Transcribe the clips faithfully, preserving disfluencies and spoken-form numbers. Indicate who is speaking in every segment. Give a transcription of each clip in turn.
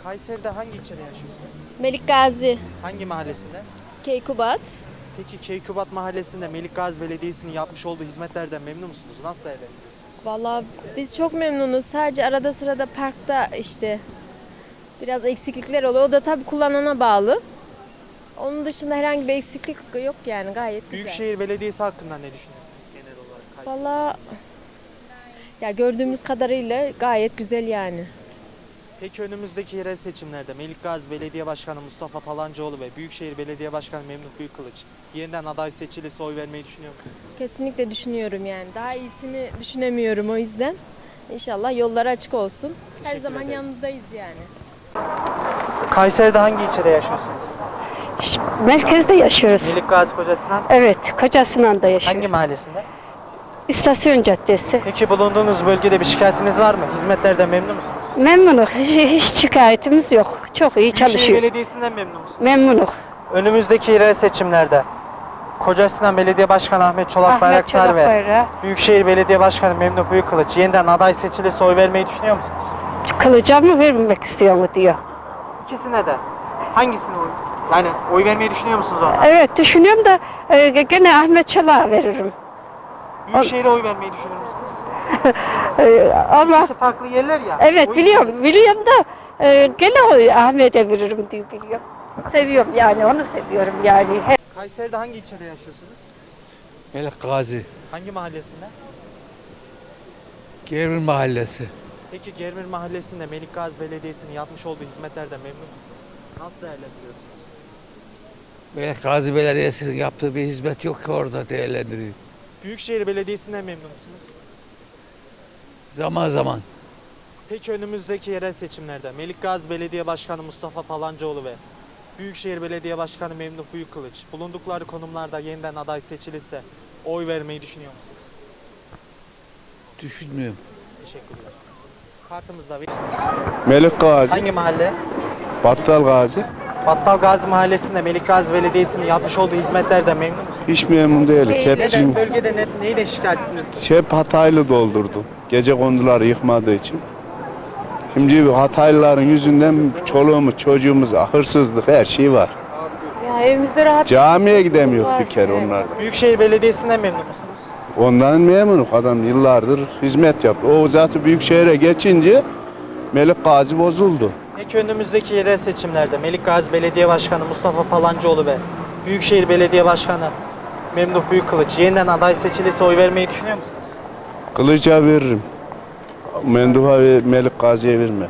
Speaker 1: Kayseri'de hangi ilçede yaşıyorsunuz?
Speaker 2: Melikgazi,
Speaker 1: Hangi mahallesinde?
Speaker 2: Keykubat.
Speaker 1: Peki Keykubat Mahallesi'nde Melikgazi Belediyesi'nin yapmış olduğu hizmetlerden memnun musunuz? Nasıl değerlendiriyorsunuz?
Speaker 2: Vallahi biz çok memnunuz. Sadece arada sırada parkta işte biraz eksiklikler oluyor. O da tabii kullanana bağlı. Onun dışında herhangi bir eksiklik yok yani gayet güzel.
Speaker 1: Büyükşehir Belediyesi hakkında ne düşünüyorsunuz genel olarak? Kayseri?
Speaker 2: Vallahi ya gördüğümüz kadarıyla gayet güzel yani.
Speaker 1: Peki önümüzdeki yerel seçimlerde Melikgazi Belediye Başkanı Mustafa Palancıoğlu ve Büyükşehir Belediye Başkanı Memduh Büyükkılıç yeniden aday seçilirse oy vermeyi düşünüyor musunuz?
Speaker 2: Kesinlikle düşünüyorum yani. Daha iyisini düşünemiyorum o yüzden. İnşallah yolları açık olsun. Her
Speaker 1: Teşekkür
Speaker 2: zaman
Speaker 1: ederiz.
Speaker 2: yanınızdayız yani.
Speaker 1: Kayseri'de hangi ilçede yaşıyorsunuz?
Speaker 3: Merkezde yaşıyoruz.
Speaker 1: Melikgazi Kocasinan.
Speaker 3: Evet, Kocasinan da yaşıyoruz.
Speaker 1: Hangi mahallesinde?
Speaker 3: İstasyon Caddesi.
Speaker 1: Peki bulunduğunuz bölgede bir şikayetiniz var mı? Hizmetlerden memnun musunuz?
Speaker 3: Memnunuk. Hiç, hiç şikayetimiz yok. Çok iyi
Speaker 1: Büyükşehir
Speaker 3: çalışıyor.
Speaker 1: Belediyesi'nden memnun musunuz?
Speaker 3: Memnunuk.
Speaker 1: Önümüzdeki yerel seçimlerde Kocasinan Belediye Başkanı Ahmet Çolak
Speaker 3: Ahmet
Speaker 1: Bayraktar
Speaker 3: Çolak
Speaker 1: ve
Speaker 3: Bayrağı.
Speaker 1: Büyükşehir Belediye Başkanı Memduh Büyükkılıç yeniden aday seçilirse oy vermeyi düşünüyor musunuz?
Speaker 3: Kılıca mı vermek istiyor mu diyor.
Speaker 1: İkisine de. Hangisine oy? Yani oy vermeyi düşünüyor musunuz ona?
Speaker 3: Evet, düşünüyorum da e, gene Ahmet Çolak'a veririm.
Speaker 1: Büyükşehir'e oy vermeyi düşünür müsünüz?
Speaker 3: E, ama
Speaker 1: İkisi farklı yerler ya.
Speaker 3: evet
Speaker 1: O
Speaker 3: biliyorum,
Speaker 1: yüzden-
Speaker 3: biliyorum da e, gene o Ahmet'e veririm diye biliyorum. Seviyorum yani, onu seviyorum yani. He-
Speaker 1: Kayseri'de hangi ilçede yaşıyorsunuz?
Speaker 4: Melikgazi,
Speaker 1: Hangi mahallesinde?
Speaker 4: Germin Mahallesi.
Speaker 1: Peki Germir Mahallesi'nde Melikgazi Belediyesi'nin yapmış olduğu hizmetlerden memnun musunuz? Nasıl değerlendiriyorsunuz?
Speaker 4: Melikgazi Belediyesi'nin yaptığı bir hizmet yok ki orada değerlendiriyor.
Speaker 1: Büyükşehir Belediyesi'nden memnun musunuz?
Speaker 4: Zaman zaman.
Speaker 1: Peki önümüzdeki yerel seçimlerde Melikgazi Belediye Başkanı Mustafa Palancıoğlu ve Büyükşehir Belediye Başkanı Memduh Büyükkılıç bulundukları konumlarda yeniden aday seçilirse oy vermeyi düşünüyor musunuz?
Speaker 4: Düşünmüyorum.
Speaker 1: Teşekkürler. Kartımızda bir.
Speaker 5: Melik Gazi,
Speaker 1: Hangi mahalle?
Speaker 5: Battal Gazi.
Speaker 1: Battal Gazi Mahallesi'nde Melikgazi Belediyesi'nin yapmış olduğu hizmetlerden memnun musunuz?
Speaker 5: Hiç memnun değilim. Hep,
Speaker 1: Neden?
Speaker 5: bizim,
Speaker 1: Bölgede ne, neyle şikayetçisiniz?
Speaker 5: hep Hataylı doldurdu. Gece konduları yıkmadığı için. Şimdi bu Hataylıların yüzünden çoluğumuz, çocuğumuz, hırsızlık her şey var.
Speaker 2: Ya evimizde rahat.
Speaker 5: Camiye gidemiyor bir kere onlar.
Speaker 1: Büyükşehir Belediyesi'nden memnun musunuz?
Speaker 5: Ondan memnunum. Adam yıllardır hizmet yaptı. O zaten büyük şehre geçince Melik Gazi bozuldu.
Speaker 1: Peki önümüzdeki yerel seçimlerde Melikgazi Belediye Başkanı Mustafa Palancıoğlu ve Büyükşehir Belediye Başkanı Memduh Büyükkılıç yeniden aday seçilirse oy vermeyi düşünüyor musunuz?
Speaker 5: Kılıca veririm. Menduha ve Melik Gazi'ye verme.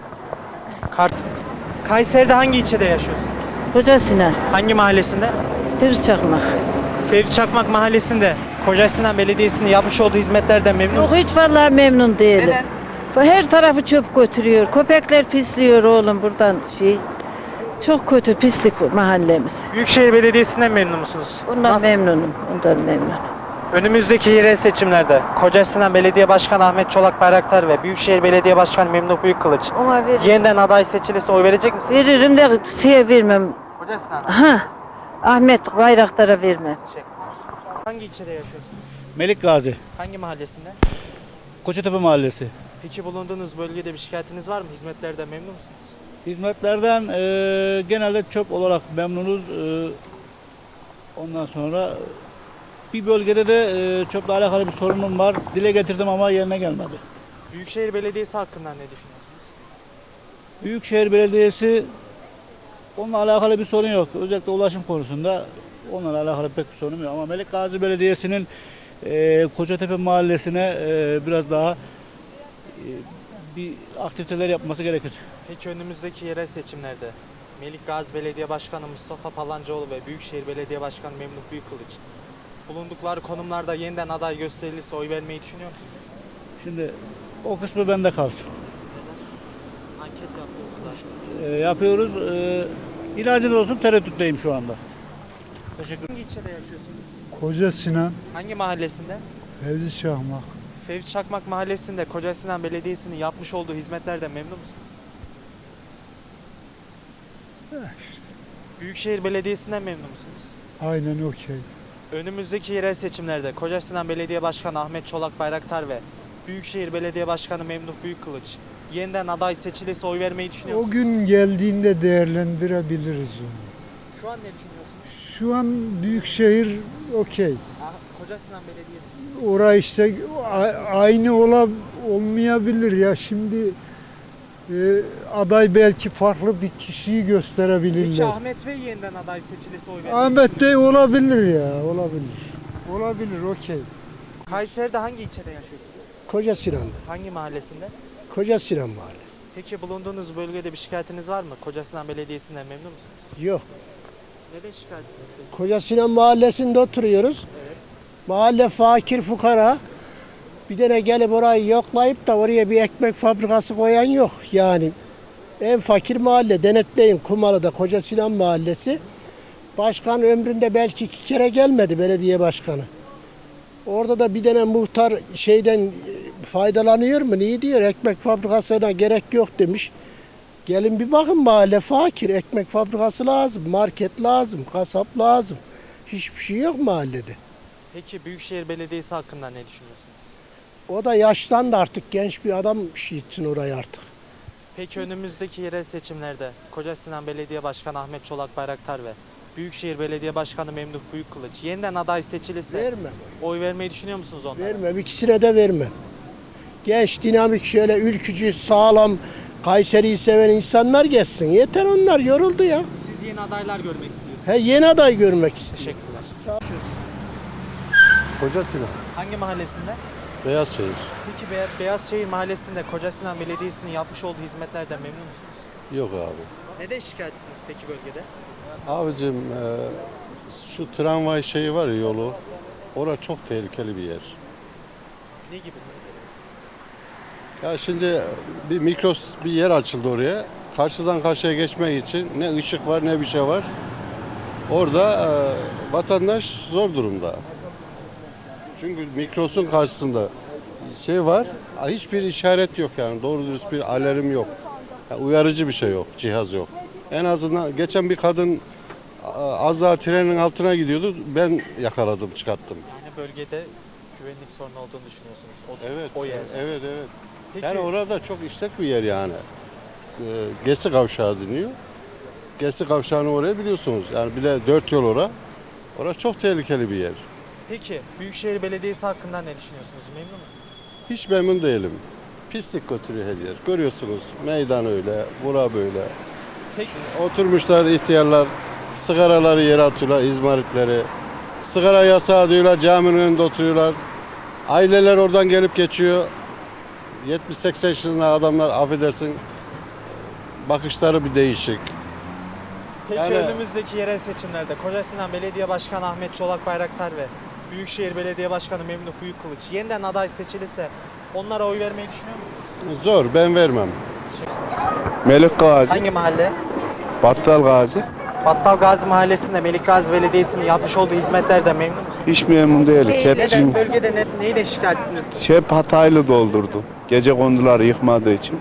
Speaker 1: Kart. Kayseri'de hangi ilçede yaşıyorsunuz?
Speaker 6: Kocasinan,
Speaker 1: Hangi mahallesinde?
Speaker 6: bir çakmak.
Speaker 1: Fevzi Çakmak Mahallesi'nde Kocasinan Belediyesi'nin yapmış olduğu hizmetlerden memnun
Speaker 6: Yok
Speaker 1: musunuz?
Speaker 6: hiç vallahi memnun değilim.
Speaker 1: Neden?
Speaker 6: Bu her tarafı çöp götürüyor. Köpekler pisliyor oğlum buradan şey. Çok kötü pislik mahallemiz.
Speaker 1: Büyükşehir Belediyesi'nden memnun musunuz?
Speaker 6: Ondan
Speaker 1: Nasıl?
Speaker 6: memnunum. Ondan memnunum.
Speaker 1: Önümüzdeki yerel seçimlerde Kocasinan Belediye Başkanı Ahmet Çolak Bayraktar ve Büyükşehir Belediye Başkanı Memduh Büyükkılıç
Speaker 6: Ona ver,
Speaker 1: yeniden aday seçilirse oy verecek misiniz?
Speaker 6: veririm de şeye vermem.
Speaker 1: Kocasinan.
Speaker 6: Ha, Ahmet Bayraktar'a vermem.
Speaker 1: Hangi ilçede yaşıyorsunuz?
Speaker 7: Melik Gazi,
Speaker 1: Hangi mahallesinde?
Speaker 7: Koçatepe Mahallesi.
Speaker 1: Peki bulunduğunuz bölgede bir şikayetiniz var mı? Hizmetlerden memnun musunuz?
Speaker 7: Hizmetlerden e, genelde çöp olarak memnunuz. E, ondan sonra bir bölgede de e, çöple alakalı bir sorunum var. Dile getirdim ama yerine gelmedi.
Speaker 1: Büyükşehir Belediyesi hakkında ne düşünüyorsunuz?
Speaker 7: Büyükşehir Belediyesi onunla alakalı bir sorun yok. Özellikle ulaşım konusunda onunla alakalı pek bir sorun yok. Ama Melik Gazi Belediyesi'nin e, Koçatepe Mahallesi'ne e, biraz daha e, bir aktiviteler yapması gerekir.
Speaker 1: Peki önümüzdeki yerel seçimlerde Melikgazi Belediye Başkanı Mustafa Palancıoğlu ve Büyükşehir Belediye Başkanı Memduh Büyükkılıç bulundukları konumlarda yeniden aday gösterilirse oy vermeyi düşünüyor musunuz?
Speaker 7: Şimdi o kısmı bende kalsın.
Speaker 1: Anket yapıyoruz da.
Speaker 7: E, yapıyoruz. E, ilacı da olsun tereddütteyim şu anda. Teşekkür
Speaker 1: Hangi ilçede yaşıyorsunuz?
Speaker 8: Kocasinan,
Speaker 1: Hangi mahallesinde?
Speaker 8: Fevzi Çakmak.
Speaker 1: Fevzi Çakmak Mahallesi'nde Kocasinan Belediyesi'nin yapmış olduğu hizmetlerden memnun musunuz? Büyükşehir Belediyesi'nden memnun musunuz?
Speaker 8: Aynen okey.
Speaker 1: Önümüzdeki yerel seçimlerde Kocasinan Belediye Başkanı Ahmet Çolak Bayraktar ve Büyükşehir Belediye Başkanı Memduh Büyükkılıç yeniden aday seçilirse oy vermeyi düşünüyor
Speaker 8: O
Speaker 1: musunuz?
Speaker 8: gün geldiğinde değerlendirebiliriz onu.
Speaker 1: Şu an ne düşünüyorsunuz?
Speaker 8: Şu an Büyükşehir okey.
Speaker 1: Ah, Koca Sinan Belediyesi.
Speaker 8: Orası işte a- aynı ola, olmayabilir ya. Şimdi e, aday belki farklı bir kişiyi
Speaker 1: Peki
Speaker 8: gösterebilirler.
Speaker 1: Ahmet Bey yeniden aday seçilirse oy vermeyi
Speaker 8: Ahmet Bey olabilir ya, olabilir. Olabilir, okey.
Speaker 1: Kayseri'de hangi ilçede yaşıyorsunuz?
Speaker 9: Koca Sinan,
Speaker 1: Hangi mahallesinde?
Speaker 9: Koca Sinan Mahallesi.
Speaker 1: Peki bulunduğunuz bölgede bir şikayetiniz var mı? Koca Sinan Belediyesi'nden memnun musunuz?
Speaker 9: Yok.
Speaker 1: Neden şikayetsiniz peki?
Speaker 9: Koca Sinan Mahallesi'nde oturuyoruz. Mahalle fakir fukara. Bir tane gelip orayı yoklayıp da oraya bir ekmek fabrikası koyan yok. Yani en fakir mahalle. Denetleyin Kumalı'da Koca Sinan Mahallesi. Başkan ömründe belki iki kere gelmedi, belediye başkanı. Orada da bir tane muhtar şeyden e, faydalanıyor mu? Niye diyor? Ekmek fabrikasına gerek yok demiş. Gelin bir bakın, mahalle fakir. Ekmek fabrikası lazım, market lazım, kasap lazım. Hiçbir şey yok mahallede.
Speaker 1: Peki Büyükşehir Belediyesi hakkında ne düşünüyorsunuz?
Speaker 9: O da yaşlandı artık. Genç bir adam şey için orayı artık.
Speaker 1: Peki önümüzdeki yerel seçimlerde Koca Sinan Belediye Başkanı Ahmet Çolak Bayraktar ve Büyükşehir Belediye Başkanı Memduh Büyükkılıç yeniden aday seçilirse
Speaker 9: Verme.
Speaker 1: oy vermeyi düşünüyor musunuz onlara?
Speaker 9: Vermem. İkisine de vermem. Genç, dinamik, şöyle ülkücü, sağlam, Kayseri'yi seven insanlar geçsin. Yeter, onlar yoruldu ya.
Speaker 1: Siz yeni adaylar görmek istiyorsunuz.
Speaker 9: He, yeni aday görmek istiyor.
Speaker 1: Teşekkürler.
Speaker 10: Koca Sinan,
Speaker 1: Hangi mahallesinde?
Speaker 10: Beyazşehir.
Speaker 1: Peki Be- Beyazşehir Mahallesi'nde Koca Sinan Belediyesi'nin yapmış olduğu hizmetlerden memnun musunuz?
Speaker 10: Yok abi.
Speaker 1: Neden şikayetsiniz peki bölgede?
Speaker 10: Abicim e, şu tramvay şeyi var ya, yolu. Orası çok tehlikeli bir yer.
Speaker 1: Ne gibi mesela?
Speaker 10: Ya şimdi bir mikros bir yer açıldı oraya. Karşıdan karşıya geçmek için ne ışık var ne bir şey var. Orada e, vatandaş zor durumda. Çünkü mikrosun karşısında şey var, hiçbir işaret yok yani, doğru dürüst bir alarm yok. Yani uyarıcı bir şey yok, cihaz yok. En azından geçen bir kadın a- az daha trenin altına gidiyordu, ben yakaladım, çıkarttım.
Speaker 1: Yani bölgede güvenlik sorunu olduğunu düşünüyorsunuz. O,
Speaker 10: Evet,
Speaker 1: o yerde.
Speaker 10: evet, evet.
Speaker 1: Peki,
Speaker 10: Yani orada çok işlek bir yer yani. Ee, Gesi Kavşağı deniyor. Gesi Kavşağı'nı oraya biliyorsunuz. Yani bir de dört yol ora. Orası çok tehlikeli bir yer.
Speaker 1: peki Büyükşehir Belediyesi hakkında ne düşünüyorsunuz? Memnun musunuz?
Speaker 10: Hiç memnun değilim. Pislik götürüyor her yer. Görüyorsunuz, meydan öyle, bura böyle.
Speaker 1: Peki,
Speaker 10: Oturmuşlar ihtiyarlar, sigaraları yere atıyorlar, izmaritleri. Sigara yasağı diyorlar, caminin önünde oturuyorlar. Aileler oradan gelip geçiyor. yetmiş seksen yaşında adamlar, affedersin, bakışları bir değişik.
Speaker 1: peki
Speaker 10: Yani-
Speaker 1: önümüzdeki yerel seçimlerde Koca Sinan Belediye Başkanı Ahmet Çolak Bayraktar ve Büyükşehir Belediye Başkanı Memduh Büyükkılıç yeniden aday seçilirse onlara oy vermeyi düşünüyor musunuz?
Speaker 10: Zor, ben vermem.
Speaker 5: Melik Gazi,
Speaker 1: Hangi mahalle?
Speaker 5: Battal Gazi.
Speaker 1: Battal Gazi Mahallesi'nde Melik Gazi Belediyesi'nin yapmış olduğu hizmetlerden memnun musunuz?
Speaker 5: Hiç memnun değilim. Hep,
Speaker 1: Neden bölgede ne, neyle şikayetsiniz?
Speaker 5: hep Hataylı doldurdu. Gece konduları yıkmadığı için.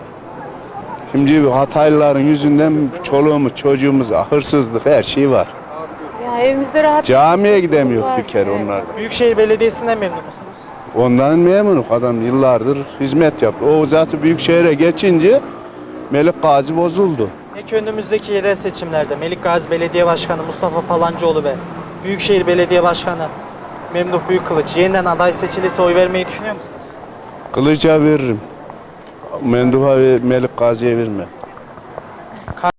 Speaker 5: Şimdi Hataylıların yüzünden çoluğumuz, çocuğumuz, hırsızlık, her şey var.
Speaker 2: Ya evimizde rahat
Speaker 5: Camiye gidemiyor bir kere onlar.
Speaker 1: Büyükşehir Belediyesi'nden memnun musunuz?
Speaker 5: Ondan memnunum. Adam yıllardır hizmet yaptı. O zaten büyük şehre geçince Melik Gazi bozuldu.
Speaker 1: Peki önümüzdeki yerel seçimlerde Melik Gazi Belediye Başkanı Mustafa Palancıoğlu ve Büyükşehir Belediye Başkanı Memduh Büyükkılıç yeniden aday seçilirse oy vermeyi düşünüyor musunuz?
Speaker 5: Kılıca veririm. Menduha ve Melik Gazi'ye vermem.